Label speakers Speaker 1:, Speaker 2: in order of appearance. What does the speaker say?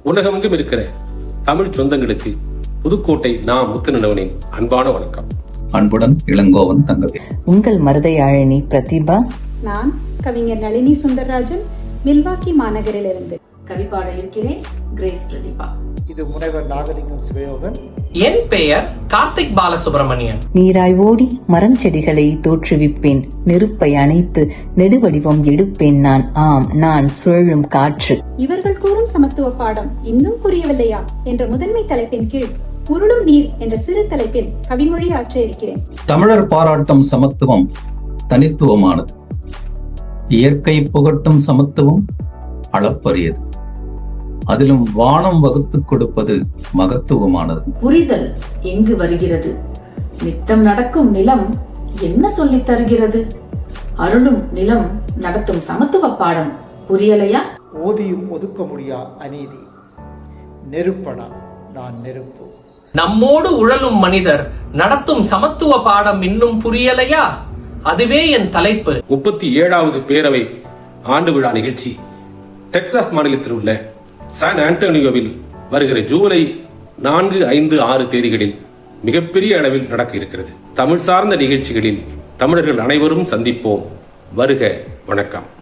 Speaker 1: உலகமெங்கும் இருக்கிற தமிழ் சொந்தங்களுக்கு புதுக்கோட்டை முத்துநிலவனின் அன்பான வணக்கம்.
Speaker 2: அன்புடன் இளங்கோவன் தங்கவேல்.
Speaker 3: உங்கள் மருதையாழினி பிரதிபா.
Speaker 4: நான் கவிஞர் நளினி சுந்தரராஜன், மில்வாக்கி மாநகரிலிருந்து
Speaker 5: கவி பாட இருக்கிறேன். கிரேஸ் பிரதிபா.
Speaker 6: இது முனைவர் நாகலிங்கம் சிவயோகன்.
Speaker 7: என் பெயர் கார்த்திக் பாலசுப்ரமணியன்.
Speaker 3: நீராய் ஓடி மரம் செடிகளை தோற்றுவிப்பேன், நெருப்பை அணைத்து நெடுவடிவம் எடுப்பேன் நான். ஆம், நான் சுழலும் காற்று.
Speaker 4: இவர்கள் கூறும் சமத்துவ பாடம் இன்னும் புரியவில்லையா என்ற முதன்மை தலைப்பின் கீழ் உருளும் நீர் என்ற சிறு தலைப்பில் கவிமொழி ஆற்ற இருக்கிறேன்.
Speaker 2: தமிழர் பாராட்டும் சமத்துவம் தனித்துவமானது. இயற்கை புகட்டும் சமத்துவம் அளப்பரியது. அதிலும் வானம் வகுத்துக் கொடுப்பது மகத்துவமானது.
Speaker 5: புரிதல் எங்கு வருகிறது? நித்தம் நடக்கும் நிலம் என்ன சொல்லித் தருகிறது? அருளும் நிலம் நடத்தும் சமத்துவ பாடம் புரியலையா?
Speaker 6: ஓதியும் ஒதுக்க முடியா அநீதி. நெருப்படா நான் நெருப்பு.
Speaker 7: நம்மோடு உழலும் மனிதர் நடத்தும் சமத்துவ பாடம் இன்னும் புரியலையா? அதுவே என் தலைப்பு.
Speaker 1: 37வது பேரவை ஆண்டு விழா நிகழ்ச்சி டெக்சாஸ் மாநிலத்தில் உள்ள சான் ஆண்டோனியோவில் வருகிற ஜூலை 4, 5, 6 தேதிகளில் மிகப்பெரிய அளவில் நடக்க இருக்கிறது. தமிழ் சார்ந்த நிகழ்ச்சிகளில் தமிழர்கள் அனைவரும் சந்திப்போம். வருக, வணக்கம்.